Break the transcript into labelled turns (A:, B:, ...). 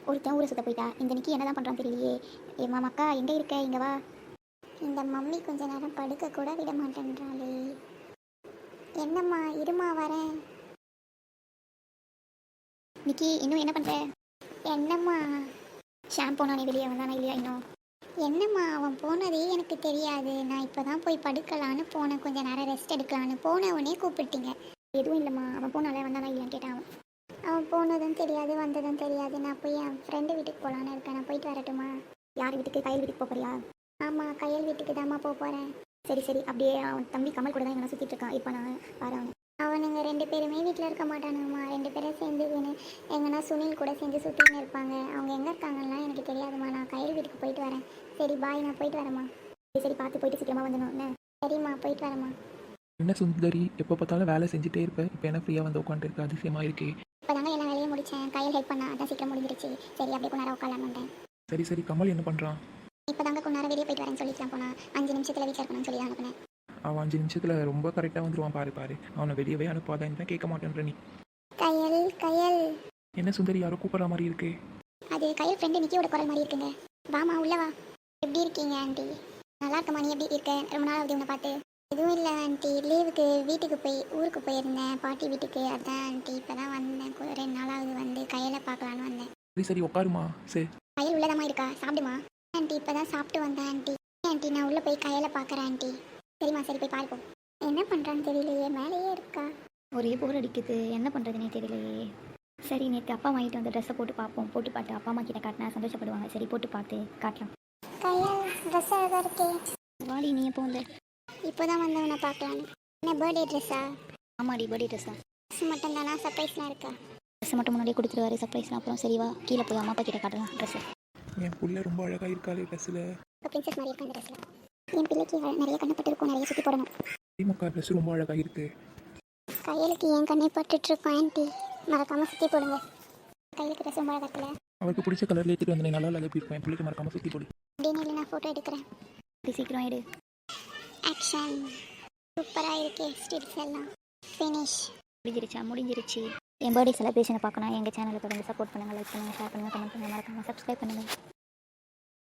A: ஒருத்தன் ஊரை சுத்த போயிட்டா. இந்த நிக்கி என்ன தான் பண்ணுறான்னு தெரியலையே. ஏம்மா மக்கா எங்கே இருக்க, இங்கே வா. இந்த மம்மி கொஞ்ச நேரம் படுக்க கூட விட மாட்டேன்றாளே. என்னம்மா இருமா வரேன். நிக்கி இன்னும் என்ன பண்ணுற? என்னம்மா ஷாம் போனானே வெளியே வந்தானா இல்லையா இன்னும்? என்னம்மா அவன் போனதே எனக்கு தெரியாது. நான் இப்போ தான் போய் படுக்கலான்னு போனேன். கொஞ்சம் நேரம் ரெஸ்ட் எடுக்கலான்னு போனவனே கூப்பிட்டீங்க. எதுவும் இல்லைம்மா, அவன் போனாலே வந்தானா இல்லையான்னு கேட்டான். அவன் போனதும் தெரியாது வந்ததும் தெரியாது. நான் போய் என் ஃப்ரெண்டு வீட்டுக்கு போகலான்னு இருக்கேன். நான் போயிட்டு வரட்டுமா? யார் வீட்டுக்கு? கையல் வீட்டுக்கு போறியா? ஆமாம், கையல் வீட்டுக்கு தாம்மா போகிறேன். சரி சரி, அப்படியே அவன் தம்பி கமல் கூட தான் எங்கன்னா சுற்றிட்டு இருக்கான். இப்போ நான் பாரு அவனுங்க 2 பேருமே வீட்டில் இருக்க மாட்டானுங்கம்மா. 2 பேரும் சேர்ந்து எங்கன்னா சுனில் கூட சேர்ந்து சுற்றின்னு இருப்பாங்க. அவங்க எங்கே இருக்காங்கன்னா எனக்கு தெரியாதுமா. நான் கையல் வீட்டுக்கு போயிட்டு வரேன். சரி பாய், நான் போயிட்டு வரேம்மா. சரி சரி, பார்த்து போயிட்டு சீக்கிரமாக வந்துடணும் என்ன? சரிம்மா, போயிட்டு வரேம்மா.
B: என்ன சுந்தரி, எப்போ பார்த்தாலும் வேலை செஞ்சுட்டே இருப்பேன். இப்போ என்ன ஃப்ரீயாக வந்து உட்காந்துருக்க, அதிசயமாக இருக்கே.
A: இப்போ தாங்க எல்லா வேலையும் முடித்தேன். கையில் ஹெல்ப் பண்ணா அதான் சீக்கிரம் முடிஞ்சிருச்சு. சரி அப்படியே கொஞ்ச நேரம் உட்காரலான்னு.
B: சரி சரி, கமல் என்ன பண்ணுறான்?
A: இப்போ தாங்க கொஞ்ச நேரம் வெளியே போயிட்டு வரேன்னு சொல்லிக்கலாம் போனா. 5 நிமிஷத்தில் வீட்டில் இருக்கணும்னு சொல்லி தான் அனுப்புனேன்.
B: அவன் 5 நிமிஷத்தில் ரொம்ப கரெக்டாக வந்துடுவான். பாரு பாரு, அவனை வெளியவே அனுப்பாதான் தான் கேட்க மாட்டேன்ற நீ.
A: கையல் கையல்.
B: என்ன சுந்தரி, யாரோ கூப்பிட்ற மாதிரி இருக்கு.
A: அது கையல் ஃப்ரெண்டு நிக்கியோட குரல் மாதிரி இருக்குங்க. வாமா உள்ள வா. எப்படி இருக்கீங்க ஆண்டி? நல்லா இருக்கம்மா, நீ எப்படி இருக்க? ரொம்ப நாள் ஆகுது உன்னை பார்த்து. எதுவும் இல்லை ஆண்டி, லீவுக்கு வீட்டுக்கு ஊருக்கு போயிருந்தேன், பாட்டி வீட்டுக்கு. அதான் ஆண்டி இப்போ தான் வந்தேன். 2 நாள் ஆகுது வந்து கையலை பார்க்கலான்னு வந்தேன்.
B: சரி சரி, உட்காருமா. சரி,
A: கையல் உள்ளதாம்மா இருக்கா? சாப்பிடுமா ஆண்டி. இப்போ தான் சாப்பிட்டு வந்தேன் ஆண்டி. ஆண்டி நான் உள்ளே போய் கையலை பார்க்குறேன் ஆண்டி. சரிம்மா, சரி போய் பார்ப்போம். என்ன பண்ணுறான்னு தெரியலையே, மேலேயே இருக்கா. ஒரே போர் அடிக்குது, என்ன பண்ணுறதுனே தெரியலையே. சரி, நேற்று அப்பா வாங்கிட்டு வந்த ட்ரெஸ்ஸை போட்டு பார்ப்போம். போட்டு பார்த்து அப்பா அம்மா கிட்ட காட்டினா சந்தோஷப்படுவாங்க. சரி போட்டு பார்த்து காட்டலாம். கையல் ட்ரெஸ் அழகாக இருக்கே. வாடி, நீ எப்போ வந்த? இப்போ தான் வந்தவனை பார்க்கலான்னு. என்ன பர்த்டே ட்ரெஸ்ஸா? ஆமாடி, பர்த்டே ட்ரெஸ் தான். ட்ரெஸ் மட்டும் தானா? சர்ப்ரைஸ்லாம் இருக்கா? ட்ரெஸ் மட்டும் முன்னாடியே கொடுத்துருவாரு, சர்ப்ரைஸ்லாம் அப்புறம். சரி வா, கீழே போய் அம்மா அப்பா கிட்ட காட்டலாம் ட்ரெஸ்ஸு.
B: என் புள்ள ரொம்ப அழகாக இருக்காளே ட்ரெஸ்ஸில்.
A: இப்போ பிரின்சஸ் மாதிரி இருக்கா இந்த ட்ரெஸ்ஸில். என் பிள்ளைக்கு நிறைய கண்ணப்பட்டு இருக்கும், நிறைய சுற்றி போடணும்.
B: திமுக ட்ரெஸ் ரொம்ப அழகாக இருக்கு.
A: கையலுக்கு என் கண்ணை பட்டுட்ருக்கோம் ஆண்டி, மறக்காமல் சுற்றி போடுங்க. கையலுக்கு ட்ரெஸ் ரொம்ப அழகாக இருக்குல்ல.
B: அவருக்கு பிடிச்ச கலர்ல ஏற்றிட்டு வந்து நல்லா இல்லை எப்படி இருக்கும். என் பிள்ளைக்கு மறக்காமல் சுற்றி போடு.
A: அப்படின்னு இல்லை, நான் ஃபோட்டோ எடுக்கிறேன். அப்படி சீக்கிரம் எடு. ஆக்ஷன். சூப்பராக இருக்கே ஸ்டில்ஸ் எல்லாம். ஃபினிஷ். முடிஞ்சிருச்சு. என் பர்த்டே செலிப்ரேஷனை பார்க்கணும். எங்கள் சேனலை தொடர்ந்து சப்போர்ட் பண்ணுங்கள், லைக் பண்ணுங்கள், ஷேர் பண்ணுங்கள், கமெண்ட் பண்ணுங்கள், மறக்காமல் சப்ஸ்கிரைப் பண்ணுங்கள்.